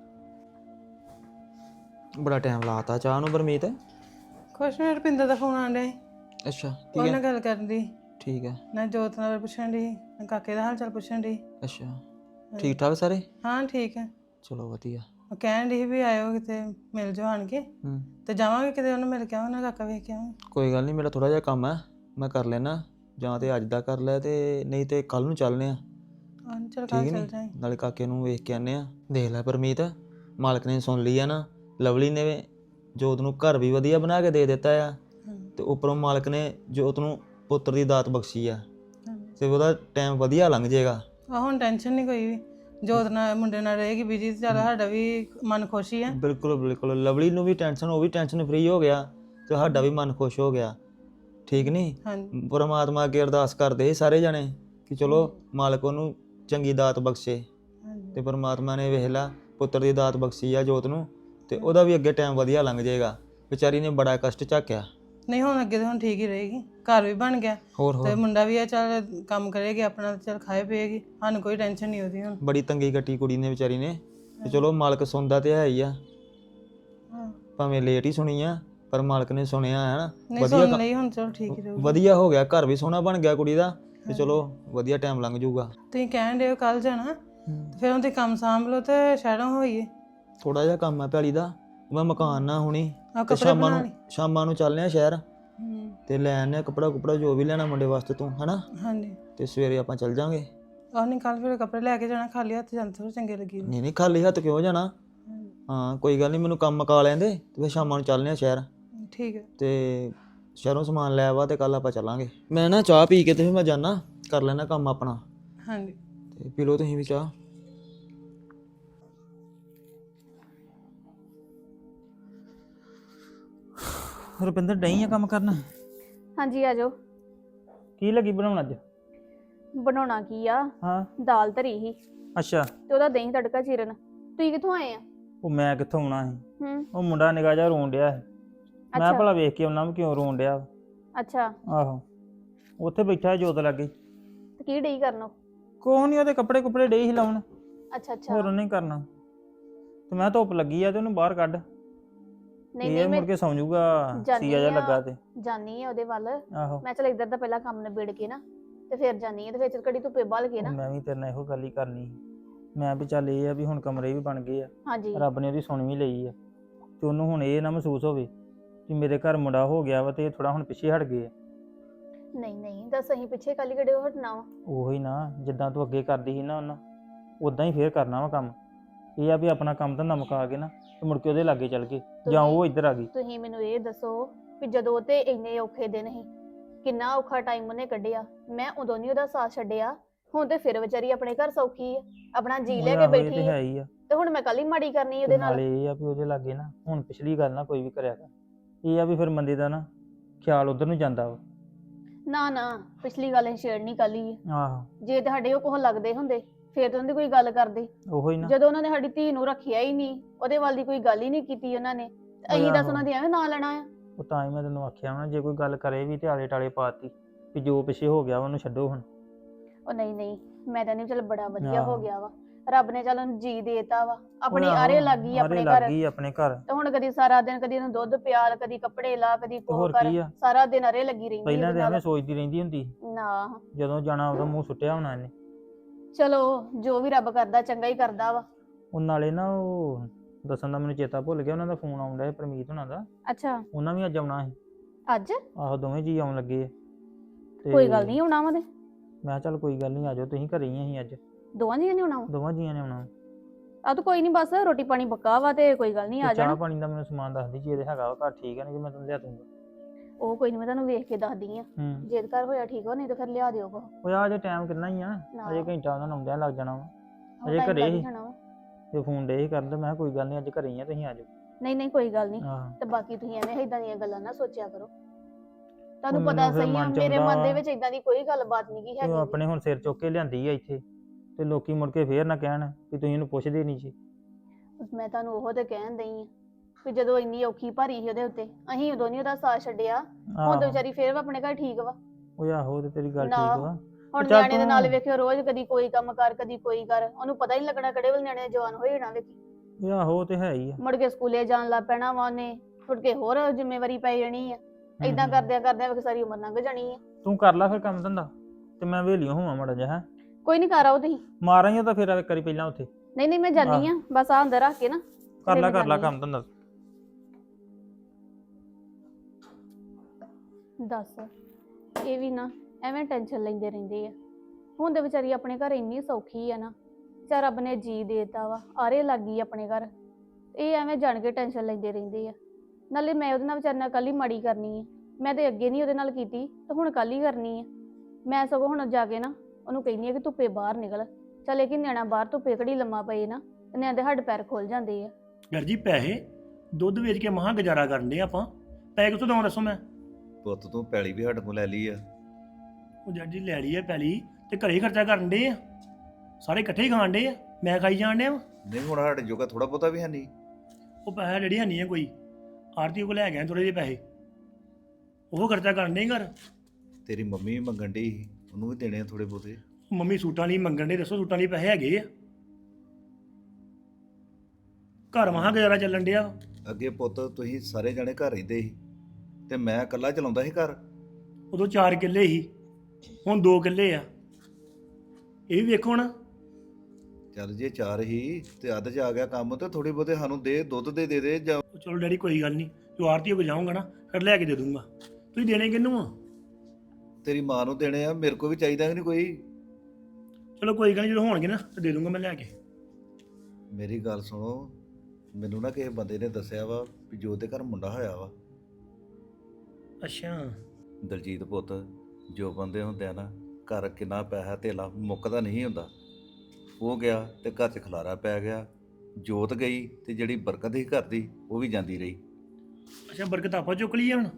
ਬੜਾ ਟਾਈਮ ਲਾਤਾ ਚਾਹ ਨੂੰ ਪਰਮੀਤ। ਕੁਛ ਨੀ, ਰੁਪਿੰਦਰ ਦਾ ਫੋਨ ਆਣ ਡਿਆ ਸੀ। ਅੱਛਾ ਕੀ ਉਹਦੇ ਹੈ? ਨਾਲ ਗੱਲ ਕਰਨ ਦੀ ਠੀਕ ਹੈ। ਨਾ, ਜੋਤ ਨਾਲ ਪੁੱਛਣ ਦੀ, ਨਾ ਕਾਕੇ ਦਾ ਹਾਲ ਚਾਲ ਪੁੱਛਣ ਦੀ। ਅੱਛਾ ਠੀਕ ਠਾਕ ਸਾਰੇ? ਹਾਂ ਠੀਕ ਹੈ। ਚਲੋ ਵਧੀਆ। ਉਹ ਕਹਿਣ ਦੀ ਵੀ ਆਇਓ ਕਿਤੇ ਮਿਲ ਜਾਓ ਆਣ ਕੇ, ਹੂੰ ਤੇ ਜਾਵਾਂਗੇ ਕਿਤੇ ਉਹਨੂੰ ਮਿਲ ਕੇ ਆਵਾਂ, ਨਾ ਕਾਕਾ ਵੇਖ ਕੇ ਆਵਾਂ। ਕੋਈ ਗੱਲ ਨਹੀਂ, ਮੇਰਾ ਥੋੜਾ ਜਿਹਾ ਕੰਮ ਹੈ, ਮੈਂ ਕਰ ਲੈਣਾ। ਜਾਂ ਤੇ ਅੱਜ ਦਾ ਕਰ ਲੈ ਤੇ ਨਹੀਂ ਤੇ ਕੱਲ ਨੂੰ ਚੱਲਨੇ ਆ। ਹਾਂ ਚਲ ਕੱਲ ਠੀਕ ਚੱਲ ਨਹੀਂ? ਜਾਏ। ਨਾਲੇ ਕਾਕੇ ਨੂੰ ਵੇਖ ਕੇ ਆਨੇ ਆ। ਦੇਖ ਲੈ ਪਰਮੀਤ, ਮਾਲਕ ਨੇ ਸੁਣ ਲਈ ਆ ਨਾ। ਲਵਲੀ ਨੇ ਜੋਤ ਨੂੰ ਘਰ ਵੀ ਵਧੀਆ ਬਣਾ ਕੇ ਦੇ ਦਿੱਤਾ ਆ, ਤੇ ਉੱਪਰੋਂ ਮਾਲਕ ਨੇ ਜੋਤ ਨੂੰ ਪੁੱਤਰ ਦੀ ਦਾਤ ਬਖਸ਼ੀ ਆ, ਤੇ ਉਹਦਾ ਟਾਈਮ ਵਧੀਆ ਲੰਘ ਜਾਏਗਾ। ਆ ਹੁਣ ਟੈਨਸ਼ਨ ਨਹੀਂ ਕੋਈ ਵੀ, ਜੋਤ ਨਾਲ ਮੁੰਡੇ ਨਾਲ ਰਹੇਗੀ ਬਿਜੀ, ਤੇ ਚੱਲ ਸਾਡਾ ਵੀ ਮਨ ਖੁਸ਼ ਹੀ ਆ। ਬਿਲਕੁਲ ਬਿਲਕੁਲ, ਲਵਲੀ ਨੂੰ ਵੀ ਟੈਨਸ਼ਨ, ਉਹ ਵੀ ਟੈਨਸ਼ਨ ਫ੍ਰੀ ਹੋ ਗਿਆ, ਤੇ ਸਾਡਾ ਵੀ ਮਨ ਖੁਸ਼ ਹੋ ਗਿਆ। ਠੀਕ ਨਹੀਂ? ਹਾਂਜੀ ਪਰਮਾਤਮਾ ਅੱਗੇ ਅਰਦਾਸ ਕਰਦੇ ਸੀ ਸਾਰੇ ਜਣੇ ਕਿ ਚਲੋ ਮਾਲਕ ਉਹਨੂੰ ਚੰਗੀ ਦਾਤ ਬਖਸ਼ੇ, ਹਾਂਜੀ। ਤੇ ਪਰਮਾਤਮਾ ਨੇ ਵੇਖ ਲਾ ਪੁੱਤਰ ਦੀ ਦਾਤ ਬਖਸ਼ੀ ਆ ਜੋਤ ਨੂੰ, ਤੇ ਉਹਦਾ ਵੀ ਅੱਗੇ ਟਾਈਮ ਵਧੀਆ ਲੰਘ ਜਾਏਗਾ। ਵਿਚਾਰੀ ਨੇ ਬੜਾ ਕਸ਼ਟ ਝੱਕਿਆ। ਨਹੀਂ ਹੁਣ ਅੱਗੇ ਤੇ ਹੁਣ ਠੀਕ ਹੀ ਰਹੇਗੀ, ਘਰ ਵੀ ਬਣ ਗਿਆ ਹੋਰ ਤੇ ਹੋਰ ਮੁੰਡਾ ਵੀ ਆ, ਚੱਲ ਕੰਮ ਕਰੇਗੀ ਆਪਣਾ, ਚੱਲ ਖਾਏ ਪੀਏਗੀ, ਸਾਨੂੰ ਕੋਈ ਟੈਨਸ਼ਨ ਨਹੀਂ ਉਹਦੀ ਹੁਣ। ਬੜੀ ਤੰਗੀ ਕੱਟੀ ਕੁੜੀ ਨੇ ਵਿਚਾਰੀ ਨੇ, ਤੇ ਚਲੋ ਮਾਲਕ ਸੁਣਦਾ ਤੇ ਹੈ ਹੀ ਆ, ਹਾਂ। ਭਾਵੇਂ ਲੇਟ ਹੀ ਸੁਣੀ ਆ, ਪਰ ਮਾਲਕ ਨੇ ਸੁਣਿਆ ਹੈ ਨਾ। ਨਹੀਂ ਸੁਣ ਲਈ ਹੁਣ, ਚਲੋ ਠੀਕ ਹੀ ਰਹੂਗੀ। ਵਧੀਆ ਹੋ ਗਿਆ, ਘਰ ਵੀ ਸੋਹਣਾ ਬਣ ਗਿਆ ਕੁੜੀ ਦਾ, ਤੇ ਚਲੋ ਵਧੀਆ ਟਾਈਮ ਲੰਘ ਜਾਊਗਾ। ਤੁਸੀਂ ਕਹਿਣ ਦੇ ਕੱਲ ਜਾਣਾ, ਤੇ ਫਿਰ ਉਹਦੇ ਕੰਮ ਸਾਂਭ ਲਓ ਤੇ ਸ਼ਹਿਰੋਂ ਹੋਈਏ। ਥੋੜਾ ਜਿਹਾ ਕੰਮ ਹੈ ਭੈਲੀ ਦਾ, ਮੈਂ ਮਕਾਨ ਨਾ ਹੁਣੀ, ਆ ਤੇ ਕੱਪੜੇ ਸ਼ਾਮਾਂ ਬਣਾ ਨੂੰ ਲਈ। ਸ਼ਾਮਾਂ ਨੂੰ ਚੱਲਨੇ ਆ ਸ਼ਹਿਰ, ਹੂੰ ਤੇ ਲੈ ਆਨੇ ਆ ਕੱਪੜਾ ਕੁਪੜਾ ਜੋ ਵੀ ਲੈਣਾ ਮੁੰਡੇ ਵਾਸਤੇ ਤੂੰ, ਹਨਾ। ਹਾਂਜੀ। ਤੇ ਸਵੇਰੇ ਆਪਾਂ ਚੱਲ ਜਾਾਂਗੇ। ਆਹ ਨਹੀਂ ਕੱਲ ਫਿਰ ਕੱਪੜੇ ਲੈ ਕੇ ਜਾਣਾ, ਖਾਲੀ ਹੱਥ ਜਾਂਦੇ ਥੋੜੇ ਚੰਗੇ ਲੱਗੀ। ਨਹੀਂ ਨਹੀਂ, ਖਾਲੀ ਹੱਥ ਕਿਉਂ ਜਾਣਾ। ਹਾਂ ਕੋਈ ਗੱਲ ਨਹੀਂ, ਮੈਨੂੰ ਕੰਮ ਮੁਕਾ ਲੈਂਦੇ, ਤੇ ਫਿਰ ਸ਼ਾਮਾਂ ਨੂੰ ਚੱਲਨੇ ਆ ਸ਼ਹਿਰ, ਠੀਕ ਹੈ। ਤੇ ਸ਼ਹਿਰੋਂ ਸਮਾਨ ਲੈ ਆਵਾ, ਤੇ ਕੱਲ ਆਪਾਂ ਚੱਲਾਂਗੇ। ਮੈਂ ਨਾ ਚਾਹ ਪੀ ਕੇ ਤੇ ਫਿਰ ਮੈਂ ਜਾਣਾ, ਕਰ ਲੈਣਾ ਕੰਮ ਆਪਣਾ। ਹਾਂਜੀ ਤੇ ਪੀ ਲਓ ਤੁਸੀਂ ਵੀ ਚਾਹ। ਰੁਪਿੰਦਰ ਡਈ ਆ ਕੰਮ ਕਰਨ? ਹਾਂਜੀ ਆ ਜਾਓ। ਕੀ ਲੱਗੀ ਬਣਾਉਣ ਅੱਜ? ਬਣਾਉਣਾ ਕੀ ਆ, ਹਾਂ ਦਾਲ ਧਰੀ ਸੀ ਅੱਛਾ। ਤੇ ਉਹਦਾ ਦਹੀਂ ਤੜਕਾ ਚੀਰਨ। ਤੁਸੀਂ ਕਿੱਥੋਂ ਆਏ ਆ? ਉਹ ਮੈਂ ਕਿੱਥੋਂ ਆਉਣਾ ਸੀ, ਹੂੰ ਉਹ ਮੁੰਡਾ ਨਿਗਾਹ ਜਾ ਰੋਣ ਡਿਆ ਸੀ। ਮੈਂ ਅੱਛਾ ਭਲਾ ਵੇਖ ਕੇ ਉਹਨਾਂ ਨੂੰ ਕਿਉਂ ਰੋਣ ਡਿਆ। ਅੱਛਾ, ਆਹੋ ਉੱਥੇ ਬੈਠਾ ਜੋਤ ਲੱਗੇ। ਤੇ ਕੀ ਡਈ ਕਰਨ ਉਹ? ਕੋਹ ਨਹੀਂ, ਉਹਦੇ ਕੱਪੜੇ ਕੁਪੜੇ ਡੇ ਹੀ ਲਾਉਣ, ਅੱਛਾ ਅੱਛਾ। ਹੋਰ ਉਹਨੇ ਕਰਨਾ। ਤੇ ਮੈਂ ਧੁੱਪ ਲੱਗੀ ਆ ਤੇ ਉਹਨੂੰ ਬਾਹਰ ਕੱਢ, ਨਹੀਂ ਇਹ ਨਹੀਂ ਮੁੜ ਮੈਂ ਕੇ ਸੌਂ ਜਾਊਗਾ ਜਾਨੀ ਸੀਆ ਜਾ ਆ। ਲੱਗਾ ਤੇ। ਜਾਨੀ ਆ ਉਹਦੇ ਵੱਲ। ਆਹੋ ਮੈਂ ਚਲ ਇੱਧਰ ਦਾ ਪਹਿਲਾਂ ਕੰਮ ਨਿਬੇੜ ਕੇ ਨਾ, ਤੇ ਫਿਰ ਜਾਨੀ ਆ, ਤੇ ਵਿੱਚ ਘੜੀ ਧੁੱਪੇ ਬਾਲ ਕੇ ਉਹ ਨਾ। ਮੈਂ ਵੀ ਤੇਰੇ ਨਾਲ ਇਹੋ ਗੱਲ ਹੀ ਕਰਨੀ ਸੀ। ਮੈਂ ਵੀ ਚੱਲ ਇਹ ਆ ਵੀ ਹੁਣ ਕਮਰੇ ਵੀ ਬਣ ਗਏ ਆ, ਹਾਂਜੀ ਰੱਬ ਨੇ ਉਹਦੀ ਸੁਣ ਵੀ ਲਈ ਆ, ਤੇ ਉਹਨੂੰ ਹੁਣ ਇਹ ਨਾ ਮਹਿਸੂਸ ਹੋਵੇ ਕਿ ਮੇਰੇ ਘਰ ਮੁੰਡਾ ਹੋ ਗਿਆ ਵਾ ਤੇ ਇਹ ਥੋੜਾ ਹੁਣ ਪਿੱਛੇ ਹਟ ਗਏ ਆ। ਨਹੀਂ ਨਹੀਂ, ਦੱਸ ਅਸੀਂ ਪਿੱਛੇ ਕੱਲ ਕਿਹੜੇ ਉਹ ਹਟਣਾ ਵਾ। ਉਹੀ ਨਾ, ਜਿੱਦਾਂ ਤੂੰ ਅੱਗੇ ਕਰਦੀ ਸੀ ਨਾ ਉਹਨਾਂ, ਉਦਾਂ ਹੀ ਫੇਰ ਕਰਨਾ ਵਾ ਕੰਮ। ਇਹ ਆ ਵੀ ਆਪਣਾ ਕੰਮ ਧੰਦਾ ਮੁਕਾ ਕੇ ਨਾ ਤੇ ਮੁੜ ਕੇ ਉਹਦੇ ਲਾਗੇ ਚੱਲ ਗਏ, ਜਾਂ ਉਹ ਇੱਧਰ ਆ ਗਈ। ਤੁਸੀਂ ਮੈਨੂੰ ਇਹ ਦੱਸੋ ਵੀ ਜਦੋਂ ਤੇ ਇੰਨੇ ਔਖੇ ਦਿਨ ਸੀ, ਕਿੰਨਾ ਔਖਾ ਟਾਈਮ ਉਹਨੇ ਕੱਢਿਆ, ਮੈਂ ਉਦੋਂ ਨਹੀਂ ਉਹਦਾ ਸਾਥ ਛੱਡਿਆ। ਹੁਣ ਤੇ ਫਿਰ ਵਿਚਾਰੀ ਆਪਣੇ ਘਰ ਸੌਖੀ ਆ, ਆਪਣਾ ਜੀ ਲੈ ਕੇ ਆਹੋ, ਇਹ ਬੈਠੀ ਤੇ ਆ, ਹੈ ਹੀ ਆ। ਤੇ ਹੁਣ ਮੈਂ ਕੱਲ ਹੀ ਮਾੜੀ ਕਰਨੀ ਤੇ ਉਹਦੇ ਨਾਲ। ਨਾਲੇ ਇਹ ਆ ਵੀ ਉਹਦੇ ਲਾਗੇ ਨਾ ਹੁਣ ਪਿਛਲੀ ਗੱਲ ਨਾ ਕੋਈ ਵੀ ਕਰਿਆ ਕਰ। ਇਹ ਆ ਵੀ ਫਿਰ ਬੰਦੇ ਦਾ ਨਾ ਖਿਆਲ ਉਧਰ ਨੂੰ ਜਾਂਦਾ ਵਾ। ਨਾ ਨਾ, ਪਿਛਲੀ ਗੱਲ ਅਸੀਂ ਛੇੜਨੀ ਕੱਲ ਹੀ ਆ। ਆਹੋ ਜੇ ਤੁਹਾਡੇ ਉਹ ਕੋਹ ਲੱਗਦੇ ਹੁੰਦੇ ਫੇਰ ਤਾਂ ਉਹਨਾਂ ਦੀ ਕੋਈ ਗੱਲ ਕਰਦੇ। ਉਹੋ ਹੀ ਨਾ। ਜਦੋਂ ਉਹਨਾਂ ਨੇ ਸਾਡੀ ਧੀ ਨੂੰ ਰੱਖਿਆ ਹੀ ਨਹੀਂ, ਉਹਦੇ ਵੱਲ ਦੀ ਕੋਈ ਗੱਲ ਹੀ ਨਹੀਂ ਕੀਤੀ ਉਹਨਾਂ ਨੇ, ਤੇ ਅਸੀਂ ਦੱਸ ਉਹਨਾਂ ਦੀ ਐਵੇਂ ਨਾਂ ਲੈਣਾ ਆ। ਉਹ ਤਾਂ ਹੀ ਮੈਂ ਤੈਨੂੰ ਆਖਿਆ ਵਾ, ਜੇ ਕੋਈ ਗੱਲ ਕਰੇ ਵੀ ਤੇ ਆਲੇ ਟਾਲੇ ਪਾਤੀ ਵੀ ਜੋ ਪਿੱਛੇ ਹੋ ਗਿਆ ਉਹਨੂੰ ਛੱਡੋ ਹੁਣ। ਉਹ ਨਹੀਂ ਨਹੀਂ, ਮੈਂ ਤਾਂ ਨਹੀਂ, ਚੱਲ ਬੜਾ ਵਧੀਆ ਆਹੋ। ਹੋ ਗਿਆ ਵਾ, ਰੱਬ ਨੇ ਚੱਲ ਉਹਨੂੰ ਜੀ ਦੇਤਾ ਵਾ, ਆਪਣੀ ਉਹ ਆਰੇ ਆਹੋ, ਲੱਗੀ ਆਰੇ ਆਪਣੇ ਲੱਗ ਘਰ। ਗਈ ਆਪਣੇ ਘਰ। ਤੇ ਹੁਣ ਕਦੀ ਸਾਰਾ ਦਿਨ, ਕਦੀ ਉਹਨੂੰ ਦੁੱਧ ਪਿਆਲ, ਕਦੀ ਕੱਪੜੇ ਲਾ, ਕਦੀ ਕੋਹ ਹੋਰ ਕਰ, ਕੀ ਆ? ਸਾਰਾ ਦਿਨ ਅਰੇ ਲੱਗੀ ਰਹਿੰਦੀ ਪਹਿਲਾਂ ਉਹਦੇ ਤੇ ਐਵੇਂ ਨਾਲ। ਸੋਚਦੀ ਰਹਿੰਦੀ ਹੁੰਦੀ, ਨਾ ਜਦੋਂ ਜਾਣਾ ਉਦੋਂ ਮੂੰਹ ਸੁੱਟਿਆ ਹੋਣਾ ਇਹਨੇ। ਚਲੋ ਜੋ ਵੀ ਰੱਬ ਕਰਦਾ ਚੰਗਾ ਹੀ ਕਰਦਾ ਵਾ। ਉਹ ਨਾਲੇ ਨਾ ਉਹ ਦੱਸਣ ਦਾ ਮੈਨੂੰ ਚੇਤਾ ਭੁੱਲ ਗਿਆ, ਉਹਨਾਂ ਦਾ ਫੋਨ ਆਉਂਦਾ ਹੈ ਪਰਮੀਤ ਹੁਣਾਂ ਦਾ, ਅੱਛਾ ਉਹਨਾਂ ਵੀ ਅੱਜ ਆਉਣਾ ਸੀ। ਅੱਜ ਆਹੋ ਦੋਵੇਂ ਜੀ ਆਉਣ ਲੱਗੇ ਆ। ਤੇ ਕੋਈ ਗੱਲ ਨਹੀਂ, ਆਉਣਾ ਵਾ ਤੇ ਮੈਂ ਕਿਹਾ ਚੱਲ ਕੋਈ ਗੱਲ ਨਹੀਂ, ਆਜੋ ਤੁਸੀਂ ਘਰੇ ਹੀ ਆ, ਅਸੀਂ ਅੱਜ ਦੋਵਾਂ ਜੀਆਂ ਨੇ ਆਉਣਾ ਵਾ। ਦੋਵਾਂ ਜੀਆਂ ਨੇ ਆਉਣਾ। ਆ ਤਾਂ ਕੋਈ ਨਹੀਂ, ਬਸ ਰੋਟੀ ਪਾਣੀ ਪੱਕਾ ਵਾ, ਤੇ ਕੋਈ ਗੱਲ ਨਹੀਂ ਆ ਤੇ ਚਾਹ ਜਾਣਾ। ਪਾਣੀ ਦਾ ਮੈਨੂੰ ਸਮਾਨ ਦੱਸਦੀ ਜੇ ਇਹਦੇ ਹੈਗਾ ਵਾ ਘਰ, ਠੀਕ ਹੈ, ਨਹੀਂ ਮੈਂ ਤੈਨੂੰ ਲਿਆ ਦੂੰਗਾ। ਉਹ ਕੋਈ ਨਹੀਂ, ਮੈਂ ਤੁਹਾਨੂੰ ਵੇਖ ਕੇ ਦੱਸਦੀ ਆ। ਹੂੰ ਜੇ ਘਰ ਹੋਇਆ ਠੀਕ ਹੋ, ਨਹੀਂ ਤਾਂ ਫਿਰ ਲਿਆ ਦਿਓ ਕੋ। ਉਹ ਆ ਜੇ ਟਾਈਮ ਕਿੰਨਾ ਹੀ ਆ, ਨਾ। ਅਜੇ ਘੰਟਾ ਉਹਨਾਂ ਨੂੰ ਆਉਂਦਿਆਂ ਲੱਗ ਜਾਣਾ ਵਾ। ਉਹ ਅਜੇ time ਘਰੇ ਲੱਗ ਹੀ। ਜਾਣਾ ਵਾ। ਤੇ ਫੋਨ ਡੇ ਹੀ ਕਰਨ ਤੇ ਮੈਂ ਕਿਹਾ ਕੋਈ ਗੱਲ ਨਹੀਂ, ਅੱਜ ਘਰੇ ਹੀ ਆ, ਤੁਸੀਂ ਆ ਜਾਓ। ਨਹੀਂ ਨਹੀਂ ਕੋਈ ਗੱਲ ਨਹੀਂ। ਆਹ ਤੇ ਬਾਕੀ ਤੁਸੀਂ ਐਵੇਂ ਇਦਾਂ ਦੀਆਂ ਗੱਲਾਂ ਨਾ ਸੋਚਿਆ ਕਰੋ। ਤੁਹਾਨੂੰ ਉਹ ਪਤਾ ਮੈਨੂੰ ਫਿਰ ਸਹੀ ਆ, ਮਨ ਚ ਮੇਰੇ ਆਉਂਦਾ ਮਨ ਦੇ ਵਾ। ਵਿੱਚ ਇਦਾਂ ਦੀ ਕੋਈ ਗੱਲਬਾਤ ਨਹੀਂ ਕੀ ਤੇ ਉਹ ਹੈਗੀ। ਆਪਣੇ ਹੁਣ ਸਿਰ ਚੁੱਕ ਕੇ ਲਿਆਂਦੀ ਆ ਇੱਥੇ, ਤੇ ਲੋਕੀ ਮੁੜ ਕੇ ਫੇਰ ਨਾ ਕਹਿਣ ਵੀ ਤੁਸੀਂ ਇਹਨੂੰ ਪੁੱਛਦੇ ਨਹੀਂ ਜੀ। ਮੈਂ ਤੁਹਾਨੂੰ ਉਹ ਤੇ ਕਹਿਣ ਦਈ ਆ ਵੀ ਜਦੋਂ ਇੰਨੀ ਔਖੀ ਭਾਰੀ ਸੀ ਉਹਦੇ ਉੱਤੇ, ਅਸੀਂ ਉਦੋਂ ਨਹੀਂ ਉਹਦਾ ਸਾਥ ਛੱਡਿਆ। ਹੁਣ ਤਾਂ ਆਹੋ ਵਿਚਾਰੀ ਫੇਰ ਆਪਣੇ ਘਰ ਠੀਕ ਵਾ। ਉਹ ਆਹੋ ਤੇ ਤੇਰੀ ਗੱਲ ਨਾ। ਠੀਕ ਵਾ। ਹੁਣ ਚੱਲ ਨਿਆਣੇ ਦੇ ਨਾਲ ਤੂੰ- ਵੇਖਿਓ, ਰੋਜ਼ ਕਦੀ ਕੋਈ ਕੰਮ ਕਰ ਕਦੀ ਕੋਈ ਕਰ, ਉਹਨੂੰ ਪਤਾ ਹੀ ਨਹੀਂ ਲੱਗਣਾ ਕਿਹੜੇ ਵੇਲੇ ਨਿਆਣੇ ਜਵਾਨ ਹੋ ਜਾਣਾ। ਵੇਖੀ ਉਹ ਆਹੋ ਉਹ ਤੇ ਹੈ ਹੀ ਆ। ਮੁੜ ਕੇ ਸਕੂਲੇ ਜਾਣ ਲੱਗ ਪੈਣਾ ਵਾ ਉਹਨੇ, ਮੁੜ ਕੇ ਹੋਰ ਜ਼ਿੰਮੇਵਾਰੀ ਪੈ ਜਾਣੀ ਆ। ਏਦਾਂ ਹੂੰ। ਕਰਦਿਆਂ ਕਰਦਿਆਂ ਵੇਖ ਸਾਰੀ ਉਮਰ ਲੰਘ ਜਾਣੀ ਆ। ਤੂੰ ਕਰ ਲੈ ਫਿਰ ਕੰਮ ਧੰਦਾ, ਤੇ ਮੈਂ ਵੇਲੀਓ ਹੋਵਾਂ ਮਾੜਾ ਜਿਹਾ। ਹੈਂ ਕੋਈ ਨਹੀਂ, ਕਰ ਆਓ ਤੁਸੀਂ। ਮਾਰਾਂ ਹੀ ਉਹ ਤਾਂ ਫੇਰ ਇੱਕ ਵਾਰੀ ਪਹਿਲਾਂ ਉੱਥੇ। ਨਹੀਂ ਨਹੀਂ, ਮੈਂ ਜਾਨੀ ਆ, ਬਸ ਆ ਅੰਦਰ ਰੱਖ ਕੇ ਨਾ। ਕਰ ਫਿਰ ਲੈ ਮੈਂ ਕਰ ਲੈ ਜਾਂਦੀ ਆ। ਕੰਮ ਧੰਦਾ। ਦੱਸ, ਇਹ ਵੀ ਨਾ ਐਵੇਂ ਟੈਨਸ਼ਨ ਲੈਂਦੇ ਰਹਿੰਦੇ ਆ। ਹੁਣ ਤੇ ਵਿਚਾਰੀ ਆਪਣੇ ਘਰ ਇੰਨੀ ਸੌਖੀ ਆ ਨਾ, ਚਾ ਰੱਬ ਨੇ ਜੀ ਦੇਤਾ ਵਾ, ਆਰੇ ਲੱਗ ਗਈ ਆਪਣੇ ਘਰ। ਇਹ ਐਵੇਂ ਜਾਣ ਕੇ ਟੈਨਸ਼ਨ ਲੈਂਦੇ ਰਹਿੰਦੇ ਆ। ਨਾਲੇ ਮੈਂ ਉਹਦੇ ਨਾਲ ਵਿਚਾਰੀ ਨਾਲ ਕੱਲ ਹੀ ਮਾੜੀ ਕਰਨੀ ਆ। ਮੈਂ ਤੇ ਅੱਗੇ ਨਹੀਂ ਉਹਦੇ ਨਾਲ ਕੀਤੀ, ਤੇ ਹੁਣ ਕੱਲ ਹੀ ਕਰਨੀ ਆ। ਮੈਂ ਸਗੋਂ ਹੁਣ ਜਾ ਕੇ ਨਾ ਉਹਨੂੰ ਕਹਿੰਦੀ ਆ ਕਿ ਧੁੱਪੇ ਬਾਹਰ ਨਿਕਲ। ਚਲੇ ਕਿ ਨਿਆਣਾ ਬਾਹਰ ਧੁੱਪੇ ਘੜੀ ਲੰਮਾ ਪਏ ਨਾ, ਤੇ ਨਿਆਣੇ ਦੇ ਹੱਡ ਪੈਰ ਖੁੱਲ ਜਾਂਦੇ ਆ। ਯਾਰ ਜੀ ਪੈਸੇ ਦੁੱਧ ਵੇਚ ਕੇ ਮਹਾਂ ਗੁਜ਼ਾਰਾ ਕਰਨ ਦੇ ਆਪਾਂ, ਪੈਸੇ ਕਿੱਥੋਂ ਦਵਾਂ ਦੱਸੋ ਮੈਂ? ਪੁੱਤ ਤੂੰ ਪੈਲੀ ਵੀ ਸਾਡੇ ਕੋਲ ਲੈ ਲਈ ਆ। ਉਹ ਜੱਟ ਜੀ ਲੈ ਲਈ ਆ ਪੈਲੀ, ਤੇ ਘਰੇ ਹੀ ਖਰਚਾ ਕਰਨ ਦੇ ਆ, ਸਾਰੇ ਇਕੱਠੇ ਹੀ ਖਾਣ ਦੇ ਆ, ਮੈਂ ਖਾਈ ਜਾਣ ਡਿਆ ਵਾ। ਨਹੀਂ ਹੁਣ ਸਾਡੇ ਜੋਗਾ ਥੋੜਾ ਬਹੁਤਾ ਵੀ ਹੈ ਨਹੀਂ। ਉਹ ਪੈਸਾ ਜਿਹੜੀ ਹੈ ਨਹੀਂ ਹੈ ਕੋਈ, ਆਰਤੀ ਕੋਲ ਲੈ ਗਏ ਥੋੜੇ ਜਿਹੇ ਪੈਸੇ, ਉਹ ਖਰਚਾ ਕਰਨ ਦੇ ਘਰ। ਤੇਰੀ ਮੰਮੀ ਵੀ ਮੰਗਣ ਡਈ ਸੀ, ਉਹਨੂੰ ਵੀ ਦੇਣੇ ਆ ਥੋੜੇ ਬਹੁਤੇ। ਮੰਮੀ ਸੂਟਾਂ ਲਈ ਮੰਗਣ ਦੇ, ਦੱਸੋ ਸੂਟਾਂ ਲਈ ਪੈਸੇ ਹੈਗੇ ਆ? ਘਰ ਮਹਾਂ ਗੁਜ਼ਾਰਾ ਚੱਲਣ ਡਿਆ ਵਾ। ਅੱਗੇ ਪੁੱਤ ਤੁਸੀਂ ਸਾਰੇ ਜਣੇ ਘਰ ਰਹਿੰਦੇ ਸੀ, ਤੇ ਮੈਂ ਇਕੱਲਾ ਚਲਾਉਂਦਾ ਸੀ ਘਰ। ਉਦੋਂ ਚਾਰ ਕਿੱਲੇ ਸੀ, ਹੁਣ ਦੋ ਕਿੱਲੇ ਆ। ਇਹ ਵੀ ਵੇਖੋ ਨਾ। ਚੱਲ ਜੇ ਚਾਰ ਹੀ ਤੇ ਅੱਧ ਚ ਆ ਗਿਆ ਕੰਮ, ਤੇ ਥੋੜੀ ਬਹੁਤੇ ਸਾਨੂੰ ਦੇ, ਦੁੱਧ ਦੇ ਦੇ ਦੇ ਜਾਂ ਉਹ ਚਲੋ ਡੈਡੀ ਕੋਈ ਗੱਲ ਨਹੀਂ, ਜੋ ਆਰਤੀ ਕੋ ਜਾਊਂਗਾ ਨਾ ਫਿਰ ਲੈ ਕੇ ਦੇ ਦੂੰਗਾ। ਤੁਸੀਂ ਦੇਣੇ ਕਿਹਨੂੰ ਆ? ਤੇਰੀ ਮਾਂ ਨੂੰ ਦੇਣੇ ਆ, ਮੇਰੇ ਕੋ ਵੀ ਚਾਹੀਦਾ ਕਿ ਨਹੀਂ ਕੋਈ। ਚਲੋ ਕੋਈ ਗੱਲ ਨਹੀਂ, ਜਦੋਂ ਹੋਣਗੇ ਨਾ ਤਾਂ ਦੇ ਦੂੰਗਾ ਮੈਂ ਲੈ ਕੇ। ਮੇਰੀ ਗੱਲ ਸੁਣੋ, ਮੈਨੂੰ ਨਾ ਕਿਸੇ ਬੰਦੇ ਨੇ ਦੱਸਿਆ ਵਾ ਵੀ ਜੋਤ ਦੇ ਘਰ ਮੁੰਡਾ ਹੋਇਆ ਵਾ। ਅੱਛਾ। ਦਲਜੀਤ ਪੁੱਤ, ਜੋ ਬੰਦੇ ਹੁੰਦੇ ਆ ਨਾ, ਘਰ ਕਿੰਨਾ ਪੈਸਾ ਧੇਲਾ ਮੁੱਕਦਾ ਨਹੀਂ ਹੁੰਦਾ। ਉਹ ਗਿਆ ਤੇ ਘਰ 'ਚ ਖਲਾਰਾ ਪੈ ਗਿਆ। ਜੋਤ ਗਈ ਤੇ ਜਿਹੜੀ ਬਰਕਤ ਸੀ ਘਰ ਦੀ ਉਹ ਵੀ ਜਾਂਦੀ ਰਹੀ। ਅੱਛਾ, ਬਰਕਤ ਆਪਾਂ ਚੁੱਕ ਲਈ ਆ ਹੁਣ,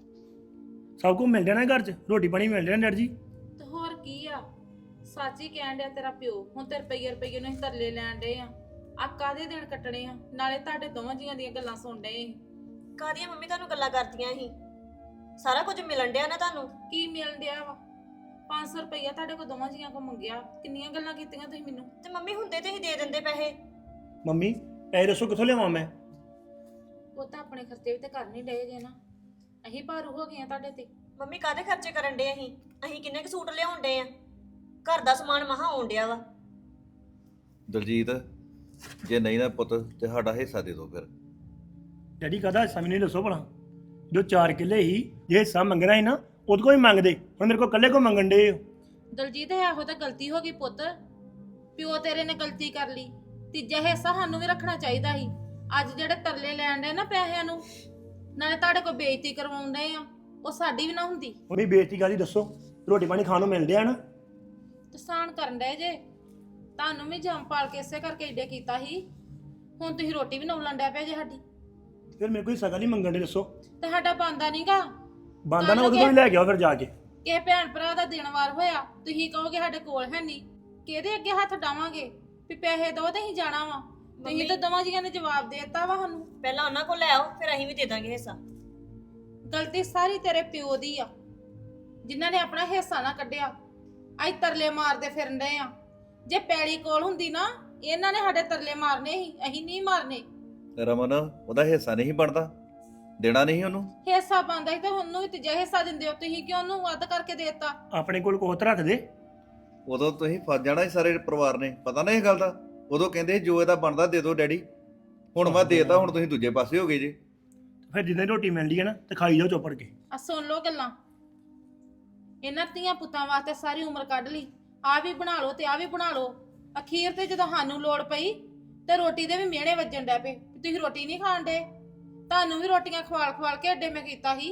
ਸਭ ਕੁਝ ਮਿਲ ਜਾਣਾ ਘਰ 'ਚ, ਰੋਟੀ ਪਾਣੀ ਮਿਲ ਜਾਣਾ ਡੈਡ ਜੀ। ਤੇ ਹੋਰ ਕੀ ਆ, ਸੱਚ ਹੀ ਕਹਿਣ ਡਿਆ ਤੇਰਾ ਪਿਓ। ਹੁਣ ਤੇ ਰੁਪਈਏ ਰੁਪਈਏ ਨੂੰ ਅਸੀਂ ਤਰਲੇ ਲੈਣ ਡਏ ਆ। ਆ ਕਾਹਦੇ ਦਿਨ ਕੱਟਣੇ ਆ? ਨਾਲੇ ਤੁਹਾਡੇ ਦੋਵਾਂ ਜੀਆਂ ਦੀਆਂ ਗੱਲਾਂ ਸੁਣ ਡਏ ਸੀ। ਕਾਹਦੀਆਂ ਮੰਮੀ ਤੁਹਾਨੂੰ ਗੱਲਾਂ ਕਰਦੀਆਂ ਸੀ? ਸਾਰਾ ਕੁਝ ਮਿਲਣ ਡਿਆ ਨਾ ਤੁਹਾਨੂੰ। ਕੀ ਮਿਲਣ ਡਿਆ ਵਾ? ਪੰਜ ਸੌ ਰੁਪਈਆ ਤੁਹਾਡੇ ਕੋਲ ਦੋਵਾਂ ਜੀਆਂ ਕੋ ਮੰਗਿਆ, ਕਿੰਨੀਆਂ ਗੱਲਾਂ ਕੀਤੀਆਂ ਤੁਸੀਂ ਮੈਨੂੰ। ਤੇ ਮੰਮੀ ਹੁੰਦੇ ਤੇ ਹੀ ਦੇ ਦਿੰਦੇ ਪੈਸੇ। ਮੰਮੀ ਪੈਸੇ ਦੱਸੋ ਕਿੱਥੋਂ ਲਿਆਵਾਂ ਮੈਂ? ਉਹ ਤਾਂ ਆਪਣੇ ਖਰਚੇ ਵੀ ਤੇ ਕਰ ਨਹੀਂ ਡਏ ਜੇ ਨਾ, ਅਸੀਂ ਭਾਰੂ ਹੋ ਗਏ ਆ ਤੁਹਾਡੇ ਤੇ। ਮੰਮੀ ਕਾਹਦੇ ਖਰਚੇ ਕਰਨ ਡੇ ਅਸੀਂ? ਅਸੀਂ ਕਿੰਨੇ ਕੁ ਸੂਟ ਲਿਆਉਣ ਡੇ ਆ? ਘਰ ਦਾ ਸਮਾਨ ਮਹਾ ਆਉਣ ਡਿਆ ਵਾ। ਦਲਜੀਤ, ਜੇ ਨਹੀਂ ਨਾ ਪੁੱਤ ਤੇ ਸਾਡਾ ਹਿੱਸਾ ਦੇ ਦਿਓ ਫਿਰ। ਡੈਡੀ ਕਾਹਦਾ ਹਿੱਸਾ ਮੈਨੂੰ ਦੱਸੋ ਭਲਾ। ਜੋ ਚਾਰ ਕਿੱਲੇ ਸੀ, ਜੇ ਹਿੱਸਾ ਮੰਗਣਾ ਸੀ ਨਾ ਉਹਦੇ ਕੋਲ ਹੀ ਮੰਗਦੇ, ਹੁਣ ਮੇਰੇ ਕੋਲ ਇਕੱਲੇ ਕੋ ਮੰਗਣ ਦੇ। ਦਲਜੀਤ ਇਹੋ ਤਾਂ ਗਲਤੀ ਹੋ ਗਈ ਪੁੱਤ, ਪਿਓ ਤੇਰੇ ਨੇ ਗਲਤੀ ਕਰ ਲਈ। ਤੀਜਾ ਹਿੱਸਾ ਸਾਨੂੰ ਵੀ ਰੱਖਣਾ ਚਾਹੀਦਾ ਸੀ। ਅੱਜ ਜਿਹੜੇ ਤਰਲੇ ਲੈਣ ਦੇ ਨਾ ਪੈਸਿਆਂ ਨੂੰ, ਨਾਲੇ ਤੁਹਾਡੇ ਕੋਲ ਬੇਇੱਜ਼ਤੀ ਕਰਵਾਉਂਦੇ ਆ, ਉਹ ਸਾਡੀ ਵੀ ਨਾ ਹੁੰਦੀ। ਮੰਮੀ ਬੇਇੱਜ਼ਤੀ ਕਾਹਦੀ ਦੱਸੋ, ਰੋਟੀ ਪਾਣੀ ਖਾਣ ਨੂੰ ਮਿਲ ਡਿਆ ਨਾ। ਤਸਾਨ ਕਰਨ ਡਏ ਜੇ, ਤੁਹਾਨੂੰ ਵੀ ਜੰਮ ਪਾਲ ਕੇ ਇਸੇ ਕਰਕੇ ਏਡੇ ਕੀਤਾ ਸੀ। ਹੁਣ ਤੁਸੀਂ ਰੋਟੀ ਵੀ ਨੌਲਣ ਡਿਆ ਪਿਆ ਜੇ ਸਾਡੀ। ਫਿਰ ਮੇਰੇ ਕੋਈ ਸਗਾ ਨਹੀਂ ਮੰਗਣ ਦੇ, ਦੱਸੋ ਤੇ ਸਾਡਾ ਬੰਦਾ ਨਹੀਂਗਾ। ਬਾਂਦਾ ਨਾ ਉਹਦੇ ਕੋਲ ਹੀ ਲੈ ਕੇ ਆਓ ਫਿਰ ਜਾ ਕੇ। ਕਿਸੇ ਭੈਣ ਭਰਾ ਦਾ ਦਿਨ ਵਾਰ ਹੋਇਆ, ਤੁਸੀਂ ਕਹੋਗੇ ਸਾਡੇ ਕੋਲ ਹੈ ਨਹੀਂ, ਕਿਹਦੇ ਅੱਗੇ ਹੱਥ ਡਾਵਾਂਗੇ ਵੀ ਪੈਸੇ ਦੋ ਤੇ ਅਸੀਂ ਜਾਣਾ ਵਾ। ਤੁਸੀਂ ਤਾਂ ਦੋਵਾਂ ਜੀਆਂ ਨੇ ਜਵਾਬ ਦੇ ਦਿੱਤਾ ਵਾ ਸਾਨੂੰ। ਪਹਿਲਾਂ ਉਹਨਾਂ ਕੋਲ ਲੈ ਆਓ, ਫਿਰ ਅਸੀਂ ਵੀ ਦੇ ਦਾਂਗੇ ਹਿੱਸਾ। ਗਲਤੀ ਸਾਰੀ ਤੇਰੇ ਪਿਓ ਦੀ ਆ, ਜਿਨ੍ਹਾਂ ਨੇ ਆਪਣਾ ਹਿੱਸਾ ਨਾ ਕੱਢਿਆ। ਅੱਜ ਤਰਲੇ ਮਾਰਦੇ ਫਿਰਨ ਡਏ ਆ। ਜੇ ਪੈਲੀ ਕੋਲ ਹੁੰਦੀ ਨਾ, ਇਹਨਾਂ ਨੇ ਸਾਡੇ ਤਰਲੇ ਮਾਰਨੇ ਸੀ, ਅਸੀਂ ਨਹੀਂ ਮਾਰਨੇ। ਰਮਨ, ਉਹਦਾ ਹਿੱਸਾ ਨਹੀਂ ਬਣਦਾ, ਦੇਣਾ ਨਹੀਂ ਉਹਨੂੰ। ਹਿੱਸਾ ਪਾਉਂਦਾ ਸੀ ਤੇ ਉਹਨੂੰ ਵੀ ਤੀਜਾ ਹਿੱਸਾ ਦਿੰਦੇ ਹੋ ਤੁਸੀਂ, ਕਿਉਂ ਉਹਨੂੰ ਵੱਧ ਕਰਕੇ ਦੇ ਦਿੱਤਾ? ਆਪਣੇ ਕੋਲ ਕੋਤ ਰੱਖ ਦੇ। ਉਦੋਂ ਤੁਸੀਂ ਫਸ ਜਾਣਾ ਸੀ ਸਾਰੇ ਪਰਿਵਾਰ ਨੇ, ਪਤਾ ਨਾ ਇਹ ਗੱਲ ਦਾ। ਉਦੋਂ ਕਹਿੰਦੇ ਸੀ ਜੋ ਇਹਦਾ ਬਣਦਾ ਦੇ ਦਿਓ ਡੈਡੀ। ਹੁਣ ਮੈਂ ਦੇਤਾ, ਹੁਣ ਤੁਸੀਂ ਦੂਜੇ ਪਾਸੇ ਹੋ ਗਏ ਜੇ। ਫਿਰ ਜਿੰਨੇ ਰੋਟੀ ਮਿਲਦੀ ਹੈ ਨਾ ਤੇ ਖਾਈ ਜਾਓ ਚੁੱਪੜ ਕੇ। ਆ ਸੁਣ ਲਓ ਗੱਲਾਂ, ਇਹਨਾਂ ਧੀਆਂ ਪੁੱਤਾਂ ਵਾਸਤੇ ਸਾਰੀ ਉਮਰ ਕੱਢ ਲਈ। ਆ ਵੀ ਬਣਾ ਲਓ ਤੇ ਆ ਵੀ ਬਣਾ ਲਓ। ਅਖੀਰ ਤੇ ਜਦੋਂ ਸਾਨੂੰ ਲੋੜ ਪਈ ਤੇ ਰੋਟੀ ਦੇ ਵੀ ਮਿਹਣੇ ਵੱਜਣ ਡੈ ਪਏ, ਤੁਸੀਂ ਰੋਟੀ ਨਹੀਂ ਖਾਣ ਡੇ। ਤੁਹਾਨੂੰ ਵੀ ਰੋਟੀਆਂ ਖਵਾਲ ਖਵਾਲ ਕੇ ਅੱਡੇ ਮੈਂ ਕੀਤਾ ਸੀ,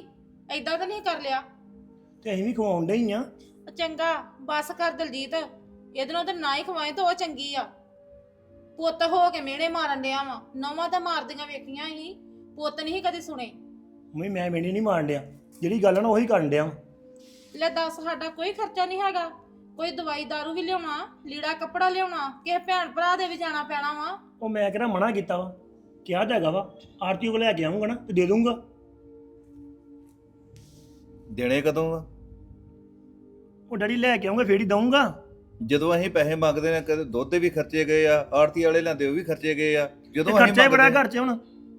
ਐਦਾਂ ਤਾਂ ਨਹੀਂ ਕਰ ਲਿਆ। ਤੇ ਅਸੀਂ ਵੀ ਖਵਾਉਣ ਡੇ ਹੀ ਆ। ਉਹ ਚੰਗਾ ਬਸ ਕਰ ਦਲਜੀਤ, ਇਹਦੇ ਨਾਲ ਤਾਂ ਨਾ ਹੀ ਖਵਾਏ ਤਾਂ ਉਹ ਚੰਗੀ ਆ। ਪੁੱਤ ਹੋ ਕੇ ਮਿਹਣੇ ਮਾਰਨ ਡਿਆ ਵਾ, ਨਵਾਂ ਤਾਂ ਮਾਰਦੀਆਂ ਵੇਖੀਆਂ ਹੀ, ਪੁੱਤ ਨਹੀਂ ਕਦੇ ਸੁਣੇ। ਮੰਮੀ ਮੈਂ ਮੇਣੀ ਨਹੀਂ ਮਾਰਨ ਡਿਆ, ਜਿਹੜੀ ਗੱਲ ਆ ਨਾ ਉਹੀ ਕਰਨ ਡਿਆ ਵਾਂ। ਲੈ ਦੱਸ, ਸਾਡਾ ਕੋਈ ਖਰਚਾ ਨਹੀਂ ਹੈਗਾ, ਕੋਈ ਦਵਾਈ ਦਾਰੂ ਵੀ ਲਿਆਉਣਾ, ਲੀੜਾ ਕੱਪੜਾ ਲਿਆਉਣਾ, ਕਿਸੇ ਭੈਣ ਭਰਾ ਦੇ ਵੀ ਜਾਣਾ ਪੈਣਾ ਵਾ। ਉਹ ਮੈਂ ਕਿਹੜਾ ਮਨਾ ਕੀਤਾ ਵਾ, ਕਿਹਾ ਤਾਂ ਹੈਗਾ ਵਾ ਆਰਤੀ ਕੋਲ ਲੈ ਕੇ ਆਉਂਗਾ ਨਾ ਤੇ ਦੇ ਦੂੰਗਾ। ਦੇਣੇ ਕਦੋਂ ਆ? ਉਹ ਡੈਡੀ ਲੈ ਕੇ ਆਉਂਗਾ ਫੇਰ ਹੀ ਦਊਂਗਾ। ਜਦੋਂ ਅਸੀਂ ਪੈਸੇ ਮੰਗਦੇ ਨੇ, ਕਦੇ ਦੁੱਧ ਦੇ ਵੀ ਖਰਚੇ ਗਏ ਆ, ਆੜਤੀ ਵਾਲੇ ਲੈਂਦੇ ਉਹ ਵੀ ਖਰਚੇ ਗਏ ਆ। ਤੇ ਜਦੋਂ ਅਸੀਂ ਖਰਚਾ ਹੀ ਬੜਾ ਮੰਗਦੇ- ਘਰ 'ਚ ਹੁਣ।